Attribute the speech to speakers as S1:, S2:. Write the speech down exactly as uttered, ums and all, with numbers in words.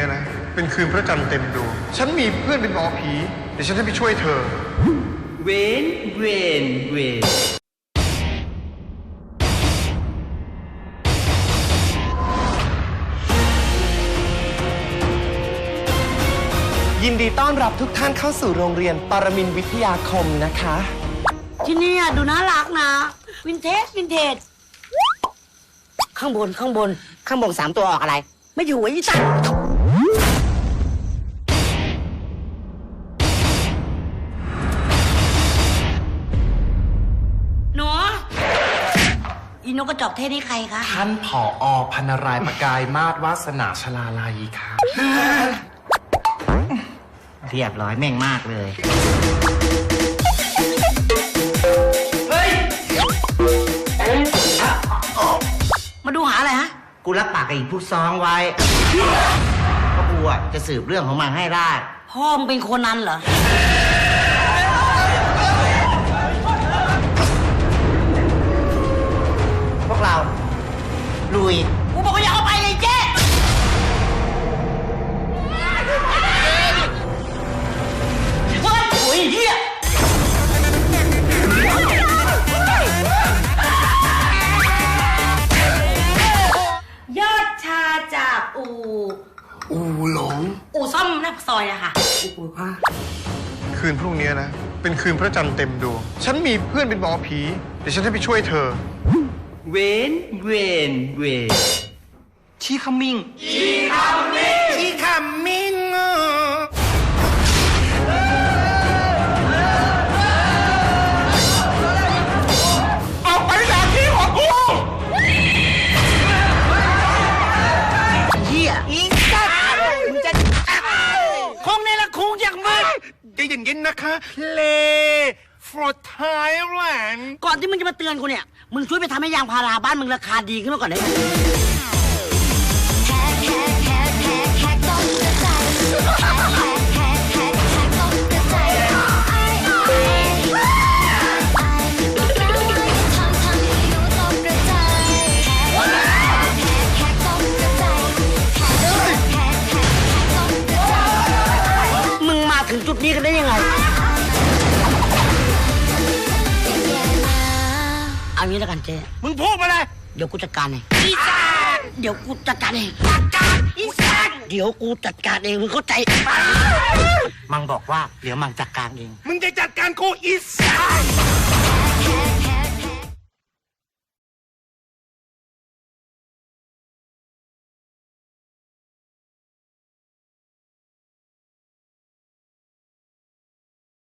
S1: นี้นะเป็นคืนพระจันทร์เต็มดวงฉันมีเพื่อนเป็นหมอผีเดี๋ยวฉันจะไปช่วยเธอ
S2: เวนเวนเวน
S3: ยินดีต้อนรับทุกท่านเข้าสู่โรงเรียนปรมินทร์วิทยาคมนะคะ
S4: ที่นี่ดูน่ารักนะวินเทจวินเทจข้างบนข้างบนข้างบนสามตัวออกอะไรไม่อยู่ไอ้ยี่ตั้งหนูอีนกกระจอกเทศนี่ใครคะ
S3: ท่านผอ.พันรายประกายมาศวาสนาชลาลัยค่ะ
S4: เรียบร้อยแม่งมากเลย
S2: เฮ้ย
S4: มาดูหาอะไรฮะ
S2: กูรับปากกับอีกผู้ซ้องไว้เพราะกูอ่ะจะสืบเรื่องของมันให้ได้
S4: พ่อมึงเป็นคนนั้นเหรอ
S2: พวกเราลุย
S4: กูบอกว่าอย่าเอาไปเลยเจ๊เฮ้ยโอ้ยเหี้ยยอดชาจากอู
S3: อูหลง
S4: อูซ่อมหน้าซอยอะค่ะอูผ้า
S1: คืนพรุ่งนี้นะเป็นคืนพระจันทร์เต็มดวงฉันมีเพื่อนเป็นหมอผีเดี๋ยวฉันจะไปช่วยเธอ
S2: เวนเวนเวนชีคัมมิงชีคัมมิงชีคัมมิง
S3: ออกไปจากที่ของกู
S2: เฮียอีสัตว์มึงจะคงในละคงอย่างมึง
S3: ใจเย็นๆนะคะเล for Thailand
S4: ก่อนที่มึงจะมาเตือนกูเนี่ยมึงช่วยไปทำให้ยางพาราบ้านมึงราคาดีขึ้นมาก่อนได้ไหมมึงมาถึงจุดนี้กันได้ยังไงเอางี้แล้วกันเจ๊
S3: มึงพูดมาเลย
S4: เดี๋ยวกูจัดการเองอีสานเดี๋ยวกูจัดการเองจัดการอีสานเดี๋ยวกูจัดการเองมึงเข้าใจ
S2: มังบอกว่าเดี๋ยวมังจัดการเอง
S3: มึงจะจัดการกูอีสาน